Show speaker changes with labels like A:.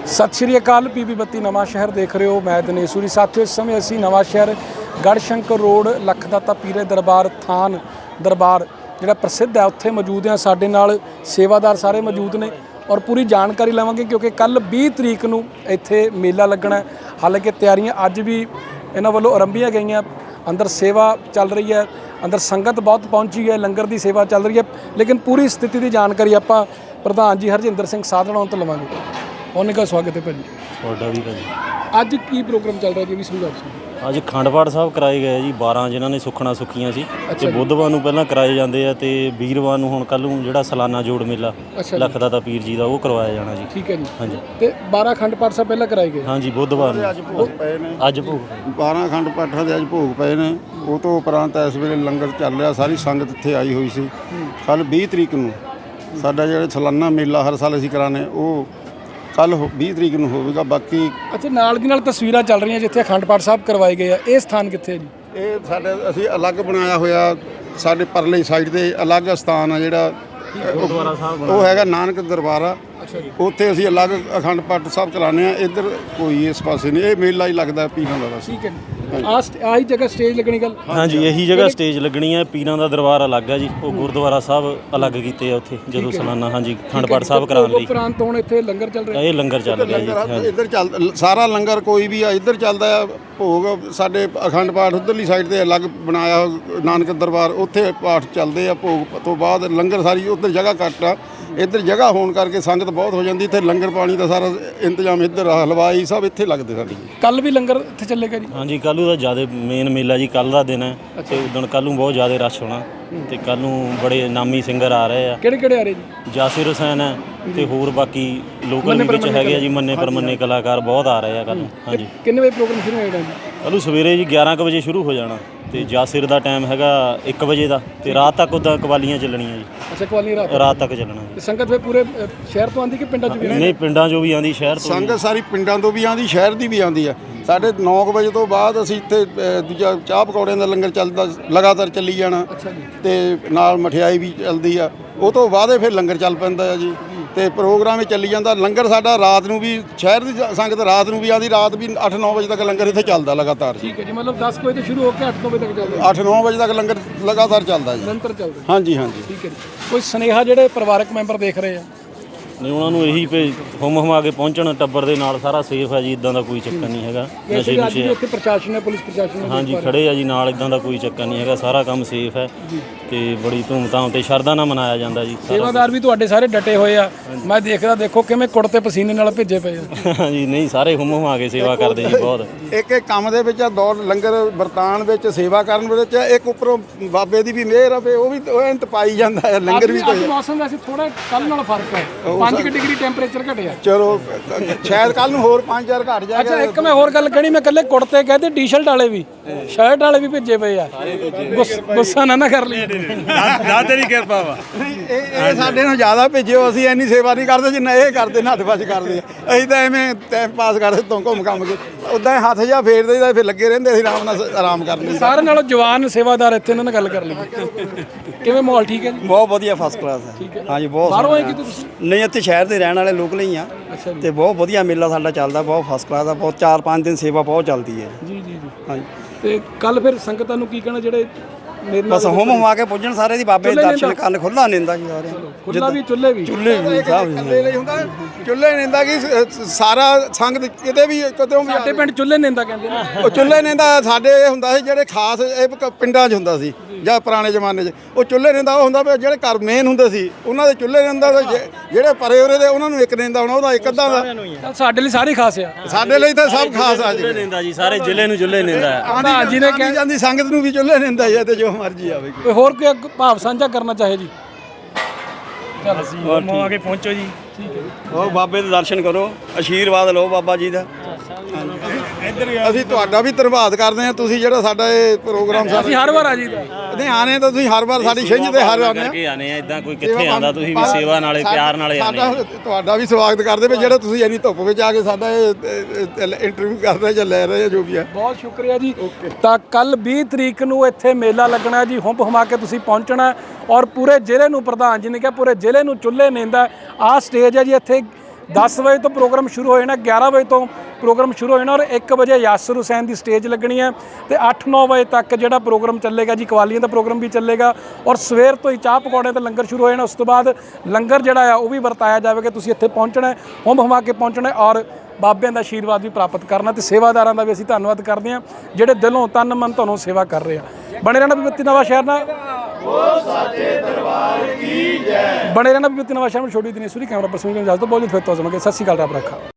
A: सत श्री अकाल पीबी 32 नवां शहर देख रहे हो। मैं दिनेश सूरी। साथियों इस समय असी नवां शहर गढ़शंकर रोड लखदाता पीरे दरबार थान दरबार जिहड़ा प्रसिद्ध है उत्थे मौजूद हैं। साडे नाल सेवादार सारे मौजूद ने और पूरी जानकारी लवांगे क्योंकि कल 20 तरीक नूं इत्थे मेला लगना है। हालांकि तैयारियां अज भी इन्हां वल्लों आरंभियां गईयां। अंदर सेवा चल रही है, अंदर संगत बहुत पहुंची है, लंगर की सेवा चल रही है, लेकिन पूरी स्थिति की जानकारी आपां प्रधान जी हरजिंदर सिंह साधना तो लवांगे। उन्होंने का स्वागत है भाजी।
B: ਤੁਹਾਡਾ ਵੀ ਭਾਜੀ।
A: ਅੱਜ ਕੀ ਪ੍ਰੋਗਰਾਮ ਚੱਲ ਰਿਹਾ ਜੀ ਵੀ ਸਮਝਾਓ ਤੁਸੀਂ।
B: ਅੱਜ ਅਖੰਡ ਪਾਠ ਸਾਹਿਬ ਕਰਾਏ ਗਏ ਜੀ 12 ਜਿਨ੍ਹਾਂ ਨੇ ਸੁੱਖਣਾ ਸੁੱਖੀਆਂ ਸੀ ਤੇ ਬੁੱਧਵਾਰ ਨੂੰ ਪਹਿਲਾਂ ਕਰਾਏ ਜਾਂਦੇ ਆ ਤੇ ਵੀਰਵਾਰ ਨੂੰ ਹੁਣ ਕੱਲ ਨੂੰ ਜਿਹੜਾ ਸਾਲਾਨਾ ਜੋੜ ਮੇਲਾ ਲਖਦਾਤਾ ਪੀਰ ਜੀ ਦਾ ਉਹ ਕਰਵਾਇਆ ਜਾਣਾ ਜੀ।
A: ਠੀਕ ਹੈ ਜੀ।
B: ਹਾਂਜੀ
A: ਤੇ 12 ਅਖੰਡ ਪਾਠ ਸਾਹਿਬ ਪਹਿਲਾਂ ਕਰਾਏ ਗਏ।
B: ਹਾਂਜੀ ਬੁੱਧਵਾਰ ਨੂੰ
C: ਅੱਜ ਭੋਗ ਪਏ ਨੇ।
B: ਅੱਜ ਭੋਗ
C: 12 ਅਖੰਡ ਪਾਠਾਂ ਦੇ ਅੱਜ ਭੋਗ ਪਏ ਨੇ। ਉਹ ਤੋਂ ਉਪਰੰਤ ਇਸ ਵੇਲੇ ਲੰਗਰ ਚੱਲ ਰਿਹਾ। ਸਾਰੀ ਸੰਗਤ ਇੱਥੇ ਆਈ ਹੋਈ ਸੀ। ਕੱਲ 20 ਤਰੀਕ ਨੂੰ ਸਾਡਾ ਜਿਹੜਾ ਸਾਲਾਨਾ ਮੇਲਾ ਹਰ ਸਾਲ ਅਸੀਂ ਕਰਾਉਂਦੇ ਉਹ ਕੱਲ 20 ਤਰੀਕ ਨੂੰ ਹੋਵੇਗਾ। ਬਾਕੀ
A: ਅੱਛਾ ਨਾਲ ਦੀ ਨਾਲ ਤਸਵੀਰਾਂ ਚੱਲ ਰਹੀਆਂ ਜਿੱਥੇ ਅਖੰਡ ਪਾਠ ਸਾਹਿਬ ਕਰਵਾਏ ਗਏ ਆ। ਇਹ ਸਥਾਨ ਕਿੱਥੇ ਹੈ ਜੀ?
C: ਇਹ ਸਾਡੇ ਅਸੀਂ ਅਲੱਗ ਬਣਾਇਆ ਹੋਇਆ। ਸਾਡੇ ਪਰਲੇ ਸਾਈਡ ਤੇ ਅਲੱਗ ਸਥਾਨ ਆ ਜਿਹੜਾ
B: ਗੁਰਦੁਆਰਾ ਸਾਹਿਬ
C: ਉਹ ਹੈਗਾ ਨਾਨਕ ਦਰਬਾਰ ਆ।
A: ਅੱਛਾ ਜੀ।
C: ਉੱਥੇ ਅਸੀਂ ਅਲੱਗ ਅਖੰਡ ਪਾਠ ਸਾਹਿਬ ਕਰਾਉਂਦੇ ਆ। ਇੱਧਰ ਕੋਈ ਇਸ ਪਾਸੇ ਨਹੀਂ। ਇਹ ਮੇਲਾ ਹੀ ਲੱਗਦਾ ਪੀਰਾਂ ਦਾ ਬਸ।
A: ਠੀਕ ਹੈ ਜੀ। ਆਹੀ ਜਗ੍ਹਾ ਸਟੇਜ ਲੱਗਣੀ ਗੱਲ।
B: ਹਾਂਜੀ ਇਹੀ ਜਗ੍ਹਾ ਸਟੇਜ ਲੱਗਣੀ ਹੈ। ਪੀਰਾਂ ਦਾ ਦਰਬਾਰ ਅਲੱਗ ਹੈ ਜੀ। ਉਹ ਗੁਰਦੁਆਰਾ ਸਾਹਿਬ ਅਲੱਗ ਕੀਤੇ ਆ ਉੱਥੇ ਜਦੋਂ ਸਾਲਾਨਾ ਹਾਂਜੀ ਅਖੰਡ ਪਾਠ ਸਾਹਿਬ ਕਰਾਉਣ ਲਈ।
A: ਉਪਰੰਤ ਹੁਣ ਇੱਥੇ ਲੰਗਰ ਚੱਲ ਰਿਹਾ।
B: ਇਹ ਲੰਗਰ ਚੱਲ ਰਿਹਾ ਜੀ।
C: ਇੱਧਰ ਚੱਲ ਸਾਰਾ ਲੰਗਰ ਕੋਈ ਵੀ ਆ ਇੱਧਰ ਚੱਲਦਾ ਆ। ਭੋਗ ਸਾਡੇ ਅਖੰਡ ਪਾਠ ਉੱਧਰਲੀ ਸਾਈਡ ਤੇ ਅਲੱਗ ਬਣਾਇਆ ਨਾਨਕ ਦਰਬਾਰ। ਉੱਥੇ ਪਾਠ ਚੱਲਦੇ ਆ। ਭੋਗ ਤੋਂ ਬਾਅਦ ਲੰਗਰ ਸਾਰੀ ਉੱਧਰ ਜਗ੍ਹਾ ਘੱਟ ਆ। ਇੱਧਰ ਜਗ੍ਹਾ ਹੋਣ ਕਰਕੇ ਸੰਗਤ ਬਹੁਤ ਹੋ ਜਾਂਦੀ। ਇੱਥੇ ਲੰਗਰ ਪਾਣੀ ਦਾ ਸਾਰਾ ਇੰਤਜ਼ਾਮ ਇੱਧਰ ਹਲਵਾਈ ਸਭ ਇੱਥੇ ਲੱਗਦੇ ਸਾਡੀ।
A: ਕੱਲ ਵੀ ਲੰਗਰ ਇੱਥੇ ਚੱਲੇਗਾ ਜੀ।
B: ਹਾਂਜੀ ਕੱਲ੍ਹ ਦਾ ਜ਼ਿਆਦਾ ਮੇਨ ਮੇਲਾ ਜੀ ਕੱਲ੍ਹ ਦਾ ਦਿਨ ਹੈ ਤੇ ਉਦੋਂ ਕੱਲ੍ਹ ਨੂੰ ਬਹੁਤ ਜ਼ਿਆਦਾ ਰਸ਼ ਹੋਣਾ ਤੇ ਕੱਲ੍ਹ ਨੂੰ ਬੜੇ ਨਾਮੀ ਸਿੰਗਰ ਆ ਰਹੇ ਆ।
A: ਕਿਹੜੇ ਆ ਰਹੇ ਜੀ?
B: ਜਾਸਿਰ ਹੁਸੈਨ ਹੈ ਤੇ ਹੋਰ ਬਾਕੀ ਲੋਕਲ ਵਿੱਚ ਹੈਗੇ ਆ ਜੀ। ਮੰਨੇ ਪਰਮੰਨੇ ਕਲਾਕਾਰ ਬਹੁਤ ਆ ਰਹੇ ਆ ਕੱਲ੍ਹ ਨੂੰ। ਹਾਂਜੀ
A: ਕਿੰਨੇ ਵਜੇ ਪ੍ਰੋਗਰਾਮ ਸ਼ੁਰੂ ਹੋਏਗਾ ਜੀ?
B: ਕੱਲ੍ਹ ਨੂੰ ਸਵੇਰੇ ਜੀ 11 ਕੁ ਵਜੇ ਸ਼ੁਰੂ ਹੋ ਜਾਣਾ ਤੇ ਜਾਸਿਰ ਦਾ ਟਾਈਮ ਹੈਗਾ 1 ਵਜੇ ਦਾ ਤੇ ਰਾਤ ਤੱਕ ਉੱਦਾਂ ਕਵਾਲੀਆਂ ਚੱਲਣੀਆਂ ਜੀ।
A: ਅੱਛਾ ਕਵਾਲੀ
B: ਰਾਤ ਤੱਕ ਚੱਲਣਾ ਜੀ।
A: ਸੰਗਤ ਫਿਰ ਪੂਰੇ ਸ਼ਹਿਰ ਤੋਂ ਆਉਂਦੀ ਕਿ ਪਿੰਡਾਂ 'ਚ ਵੀ?
B: ਨਹੀਂ ਪਿੰਡਾਂ 'ਚੋਂ ਵੀ ਆਉਂਦੀ, ਸ਼ਹਿਰ ਤੋਂ
C: ਸੰਗਤ ਸਾਰੀ ਪਿੰਡਾਂ ਤੋਂ ਵੀ ਆਉਂਦੀ, ਸ਼ਹਿਰ ਦੀ ਵੀ ਆਉਂਦੀ ਆ। ਸਾਡੇ 9 ਵਜੇ ਤੋਂ ਬਾਅਦ ਅਸੀਂ ਇੱਥੇ ਦੂਜਾ ਚਾਹ ਪਕੌੜਿਆਂ ਦਾ ਲੰਗਰ ਚੱਲਦਾ ਲਗਾਤਾਰ ਚੱਲੀ ਜਾਣਾ ਤੇ ਨਾਲ ਮਠਿਆਈ ਵੀ ਚੱਲਦੀ ਆ। ਉਹ ਤੋਂ ਬਾਅਦ ਫਿਰ ਲੰਗਰ ਚੱਲ ਪੈਂਦਾ ਆ ਜੀ ਤੇ ਪ੍ਰੋਗਰਾਮ ਹੀ ਚੱਲੀ ਜਾਂਦਾ। ਲੰਗਰ ਸਾਡਾ ਰਾਤ ਨੂੰ ਵੀ ਸ਼ਹਿਰ ਦੀ ਸੰਗਤ ਰਾਤ ਨੂੰ ਵੀ ਆਉਂਦੀ। ਰਾਤ ਵੀ 8-9 ਵਜੇ ਤੱਕ ਲੰਗਰ ਇੱਥੇ ਚੱਲਦਾ ਲਗਾਤਾਰ।
A: ਠੀਕ ਹੈ ਜੀ। ਮਤਲਬ 10 ਵਜੇ ਤੋਂ ਸ਼ੁਰੂ ਹੋ ਕੇ 8 ਵਜੇ ਤੱਕ ਚੱਲਦਾ।
C: 8-9 ਵਜੇ ਤੱਕ ਲੰਗਰ ਲਗਾਤਾਰ ਚੱਲਦਾ ਜੀ।
A: ਨਿਰੰਤਰ ਚੱਲਦਾ।
C: ਹਾਂਜੀ ਹਾਂਜੀ।
A: ਠੀਕ ਹੈ ਜੀ। ਕੋਈ ਸੁਨੇਹਾ ਜਿਹੜੇ ਪਰਿਵਾਰਕ ਮੈਂਬਰ ਦੇਖ ਰਹੇ ਆ?
B: ਨਹੀਂ ਉਹਨਾਂ ਨੂੰ ਇਹੀ ਭੇ ਹੁਮ ਹੁਮਾ ਕੇ ਪਹੁੰਚਣ। ਟੱਬਰ ਦੇ ਨਾਲ ਸਾਰਾ ਸੇਫ ਹੈ ਜੀ। ਇਦਾਂ ਦਾ ਕੋਈ ਚੱਕਰ ਨਹੀਂ ਹੈਗਾ। ਨਸ਼ੇ ਨੁਸ਼ੇ
A: ਇੱਥੇ ਪ੍ਰਸ਼ਾਸਨ ਹੈ, ਪੁਲਿਸ ਪ੍ਰਸ਼ਾਸਨ ਹੈ
B: ਹਾਂਜੀ ਖੜੇ ਆ ਜੀ ਨਾਲ। ਇਦਾਂ ਦਾ ਕੋਈ ਚੱਕਰ ਨਹੀਂ ਹੈਗਾ। ਸਾਰਾ ਕੰਮ ਸੇਫ ਹੈ ਤੇ ਬੜੀ ਧੂਮਧਾਮ ਤੇ ਸ਼ਰਧਾ ਨਾਲ ਮਨਾਇਆ ਜਾਂਦਾ ਜੀ।
A: ਸੇਵਾਦਾਰ ਵੀ ਤੁਹਾਡੇ ਸਾਰੇ ਡਟੇ ਹੋਏ ਆ। ਮੈਂ ਦੇਖਦਾ ਦੇਖੋ ਕਿਵੇਂ ਕੁੜਤੇ ਪਸੀਨੇ ਨਾਲ ਭਿੱਜੇ ਪਏ ਆ।
B: ਹਾਂਜੀ ਨਹੀਂ ਸਾਰੇ ਹੁਮ ਹੁਮਾ ਕੇ ਸੇਵਾ ਕਰਦੇ ਜੀ ਬਹੁਤ।
C: ਇੱਕ ਕੰਮ ਦੇ ਵਿੱਚ ਦੌੜ ਲੰਗਰ ਵਰਤਾਨ ਵਿੱਚ ਸੇਵਾ ਕਰਨ ਵਿੱਚ ਇੱਕ ਉੱਪਰੋਂ ਬਾਬੇ ਦੀ ਵੀ ਮਿਹਰ ਆ। ਉਹ ਵੀ ਉਹ ਪਾਈ ਜਾਂਦਾ ਹੈ ਲੰਗਰ ਵੀ।
A: ਮੌਸਮ ਵੈਸੇ ਥੋੜਾ ਕੱਲ ਨਾਲ ਫਰਕ ਹੈ। 5 ਡਿਗਰੀ ਟੈਂਪਰੇਚਰ ਘਟਿਆ।
C: ਚਲੋ ਸ਼ਾਇਦ ਕੱਲ ਨੂੰ ਹੋਰ 5-4 ਘਟ ਜਾਏਗਾ।
A: ਅੱਛਾ ਇੱਕ ਮੈਂ ਹੋਰ ਗੱਲ ਕਹਿਣੀ। ਮੈਂ ਇਕੱਲੇ ਕੁੜਤੇ ਕਹਤੇ ਟੀ-ਸ਼ਰਟ ਵਾਲੇ ਵੀ ਸ਼ਰਟ ਵਾਲੇ ਵੀ ਭਿੱਜੇ ਪਏ ਆ। ਗੁੱਸਾ ਨਾ ਕਰ ਲਈ।
D: ਨਾ ਤੇਰੀ ਕਿਰਪਾ ਵਾ।
C: ਇਹ ਸਾਡੇ ਨੂੰ ਜ਼ਿਆਦਾ ਭੇਜਿਓ। ਅਸੀਂ ਇੰਨੀ ਸੇਵਾ ਨਹੀਂ ਕਰਦੇ ਜਿੰਨਾ ਇਹ ਕਰਦੇ ਨੱਠ ਭੱਜ ਕਰਦੇ ਆ। ਅਸੀਂ ਤਾਂ ਐਵੇਂ ਟਾਈਮ ਪਾਸ ਕਰਦੇ ਤੋਂ ਘੁੰਮ ਘੰਮ ਕੇ ਉੱਦਾਂ ਹੀ ਹੱਥ ਜਿਹਾ ਫੇਰਦੇ ਤਾਂ ਫਿਰ ਲੱਗੇ ਰਹਿੰਦੇ। ਅਸੀਂ ਆਰਾਮ ਨਾਲ ਆਰਾਮ ਕਰਦੇ।
A: ਸਾਰਿਆਂ ਨਾਲੋਂ ਜਵਾਨ ਸੇਵਾਦਾਰ ਇੱਥੇ ਇਹਨਾਂ ਨਾਲ ਗੱਲ ਕਰ ਲਈ। ਕਿਵੇਂ ਮਾਹੌਲ ਠੀਕ ਹੈ ਜੀ?
E: ਬਹੁਤ ਵਧੀਆ ਫਸਟ ਕਲਾਸ ਹੈ। ਹਾਂਜੀ ਬਹੁਤ
A: ਬਾਹਰੋਂ ਆਏ ਕਿਤੇ ਤੁਸੀਂ?
E: ਨਹੀਂ ਇੱਥੇ ਸ਼ਹਿਰ ਦੇ ਰਹਿਣ ਵਾਲੇ ਲੋਕ ਹੀ ਆ ਤੇ ਬਹੁਤ ਵਧੀਆ ਮੇਲਾ ਸਾਡਾ ਚੱਲਦਾ। ਬਹੁਤ ਫਸਟ ਕਲਾਸ ਦਾ। ਬਹੁਤ 4-5 ਦਿਨ ਸੇਵਾ ਬਹੁਤ ਚੱਲਦੀ ਹੈ
A: ਜੀ ਜੀ ਜੀ।
E: ਹਾਂਜੀ
A: ਤੇ ਕੱਲ ਫਿਰ ਸੰਗਤਾਂ ਨੂੰ ਕੀ ਕਹਿਣਾ ਜਿਹੜੇ ਮੇਰੇ ਨਾਲ
E: ਬਸ ਹੁਮ ਹੁਮਾ ਕੇ ਪੁੱਜਣ ਸਾਰੇ ਦੀ ਬਾਬੇ ਦੇ ਦਰਸ਼ਨ ਕਰਨ। ਖੁੱਲਾ ਨਿੰਦਾ ਜੀ ਸਾਰੇ
A: ਖੁੱਲਾ ਵੀ ਚੁੱਲ੍ਹੇ ਵੀ
E: ਚੁੱਲ੍ਹੇ ਵੀ ਸਭ
C: ਇਕੱਲੇ ਲਈ ਹੁੰਦਾ। ਚੁੱਲ੍ਹੇ ਨਿੰਦਾ ਕਿ ਸਾਰਾ ਸੰਗਤ ਕਿਤੇ ਵੀ ਕਿਤੇ ਵੀ
A: ਸਾਡੇ ਪਿੰਡ ਚੁੱਲ੍ਹੇ ਨਿੰਦਾ ਕਹਿੰਦੇ ਨੇ।
C: ਉਹ ਚੁੱਲ੍ਹੇ ਨਿੰਦਾ ਸਾਡੇ ਇਹ ਹੁੰਦਾ ਸੀ ਜਿਹੜੇ ਖਾਸ ਇਹ ਪਿੰਡਾਂ 'ਚ ਹੁੰਦਾ ਸੀ ਜਾਂ ਪੁਰਾਣੇ ਜ਼ਮਾਨੇ 'ਚ। ਉਹ ਚੁੱਲ੍ਹੇ ਨਿੰਦਾ ਉਹ ਹੁੰਦਾ ਵੀ ਜਿਹੜੇ ਘਰ ਮੇਨ ਹੁੰਦੇ ਸੀ ਉਹਨਾਂ ਦੇ ਚੁੱਲ੍ਹੇ ਨਿੰਦਾ। ਜਿਹੜੇ ਪਰੇ ਉਰੇ ਦੇ ਉਹਨਾਂ ਨੂੰ ਇੱਕ ਨਿੰਦਾ ਹੋਣਾ। ਉਹਦਾ ਇੱਕ ਅੱਧਾ ਦਾ।
A: ਸਾਡੇ ਲਈ ਸਾਰੇ ਖਾਸ ਆ।
C: ਸਾਡੇ ਲਈ ਤਾਂ ਸਭ ਖਾਸ ਆ ਜੀ।
B: ਨਿੰਦਾ ਜੀ ਸਾਰੇ ਜ਼ਿਲ੍ਹੇ ਨੂੰ ਚੁੱਲ੍ਹੇ ਨਿੰਦਾ ਹੈ।
C: ਆਂਦੀ ਜੀ ਨੇ ਕਹਿ ਜਾਂਦੀ ਸੰਗਤ ਨੂੰ ਵੀ ਚੁੱਲ੍ਹੇ ਨਿੰਦਾ ਹੈ ਤੇ ਜੋ ਮਰਜ਼ੀ ਆਵੇ।
A: ਕੋਈ ਹੋਰ ਕੋਈ ਭਾਵ ਸਾਂਝਾ ਕਰਨਾ ਚਾਹੇ ਜੀ?
D: ਚਲ ਅਸੀਂ ਮੋਆ ਕੇ ਪਹੁੰਚੋ ਜੀ।
A: ਠੀਕ ਹੈ।
E: ਉਹ ਬਾਬੇ ਦੇ ਦਰਸ਼ਨ ਕਰੋ। ਆਸ਼ੀਰਵਾਦ ਲਓ ਬਾਬਾ ਜੀ ਦਾ।
C: ਅਸੀਂ ਤੁਹਾਡਾ ਵੀ ਧੰਨਵਾਦ ਕਰਦੇ ਹਾਂ। ਤੁਸੀਂ ਜਿਹੜਾ ਸਾਡਾ ਇਹ ਪ੍ਰੋਗਰਾਮ
A: ਅਸੀਂ ਹਰ ਵਾਰ ਆ ਜੀਦਾ।
C: ਨਹੀਂ ਆਨੇ ਤਾਂ ਤੁਸੀਂ ਹਰ ਵਾਰ ਸਾਡੀ ਛਿੰਝ ਤੇ ਹਰ ਆਉਂਦੇ
B: ਕਰਕੇ ਆਨੇ ਆ। ਇਦਾਂ ਕੋਈ ਕਿੱਥੇ ਆਂਦਾ। ਤੁਸੀਂ ਵੀ ਸੇਵਾ ਨਾਲੇ ਪਿਆਰ ਨਾਲੇ ਆਨੇ ਆ।
C: ਤੁਹਾਡਾ ਵੀ ਸਵਾਗਤ ਕਰਦੇ ਵੀ ਜਿਹੜਾ ਤੁਸੀਂ ਇੰਨੀ ਧੁੱਪ ਵਿੱਚ ਆ ਕੇ ਸਾਡਾ ਇਹ ਇੰਟਰਵਿਊ ਕਰ ਰਹੇ ਜਾਂ ਲੈ ਰਹੇ ਆ ਜੋ ਵੀ ਹੈ।
A: ਬਹੁਤ ਸ਼ੁਕਰੀਆ ਜੀ। ਤਾਂ ਕੱਲ 20 ਤਰੀਕ ਨੂੰ ਇੱਥੇ ਮੇਲਾ ਲੱਗਣਾ ਜੀ। ਹੁੰਮ ਹੁਮਾ ਕੇ ਤੁਸੀਂ ਪਹੁੰਚਣਾ ਔਰ ਪੂਰੇ ਜ਼ਿਲ੍ਹੇ ਨੂੰ ਪ੍ਰਧਾਨ ਜੀ ਨੇ ਕਿਹਾ ਪੂਰੇ ਜ਼ਿਲ੍ਹੇ ਨੂੰ ਚੁੱਲ੍ਹੇ ਨੀਂਦਾ। ਆਹ ਸਟੇਜ ਹੈ ਜੀ। ਇੱਥੇ 10 ਵਜੇ ਤੋਂ ਪ੍ਰੋਗਰਾਮ ਸ਼ੁਰੂ ਹੋ ਜਾਣਾ, 11 ਵਜੇ ਤੋਂ ਪ੍ਰੋਗਰਾਮ ਸ਼ੁਰੂ ਹੋ ਜਾਣਾ ਔਰ 1 ਵਜੇ ਯਾਸਰ ਹੁਸੈਨ ਦੀ ਸਟੇਜ ਲੱਗਣੀ ਹੈ ਤੇ 8-9 ਵਜੇ ਤੱਕ ਜਿਹੜਾ ਪ੍ਰੋਗਰਾਮ ਚੱਲੇਗਾ ਜੀ, ਕਵਾਲੀਆਂ ਦਾ ਪ੍ਰੋਗਰਾਮ ਵੀ ਚੱਲੇਗਾ ਔਰ ਸਵੇਰ ਤੋਂ ਹੀ ਚਾਹ ਪਕੌੜਿਆਂ ਦਾ ਲੰਗਰ ਸ਼ੁਰੂ ਹੋ ਜਾਣਾ। ਉਸ ਤੋਂ ਬਾਅਦ ਲੰਗਰ ਜਿਹੜਾ ਆ ਉਹ ਵੀ ਵਰਤਾਇਆ ਜਾਵੇਗਾ। ਤੁਸੀਂ ਇੱਥੇ ਪਹੁੰਚਣਾ, ਹੁੰਮ ਹਮਾ ਕੇ ਪਹੁੰਚਣਾ ਔਰ ਬਾਬਿਆਂ ਦਾ ਆਸ਼ੀਰਵਾਦ ਵੀ ਪ੍ਰਾਪਤ ਕਰਨਾ ਤੇ ਸੇਵਾਦਾਰਾਂ ਦਾ ਵੀ ਅਸੀਂ ਧੰਨਵਾਦ ਕਰਦੇ ਹਾਂ ਜਿਹੜੇ ਦਿਲੋਂ ਤਨ ਮਨ ਤੁਹਾਨੂੰ ਸੇਵਾ ਕਰ ਰਹੇ ਆ। ਬਣੇ ਰਹਿਣਾ ਵਿਪੱਤੀ ਨਵਾਂ ਸ਼ਹਿਰ ਨਾਲ, ਬਣੇ ਰਹਿਣਾ ਵਿਪੱਤੀ ਨਵਾਂ ਸ਼ਹਿਰ ਨਾਲ। ਛੋਟੀ ਦਿਨੇਸ਼ਵਰੀ, ਕੈਮਰਾ ਪਰਸਨ ਇਜਾਜ਼ਤ, ਬਹੁਤ ਫਿਰ ਤੋਂ ਸਤਿ ਸ਼੍ਰੀ ਅਕਾਲ, ਰੱਬ ਰੱਖਾ।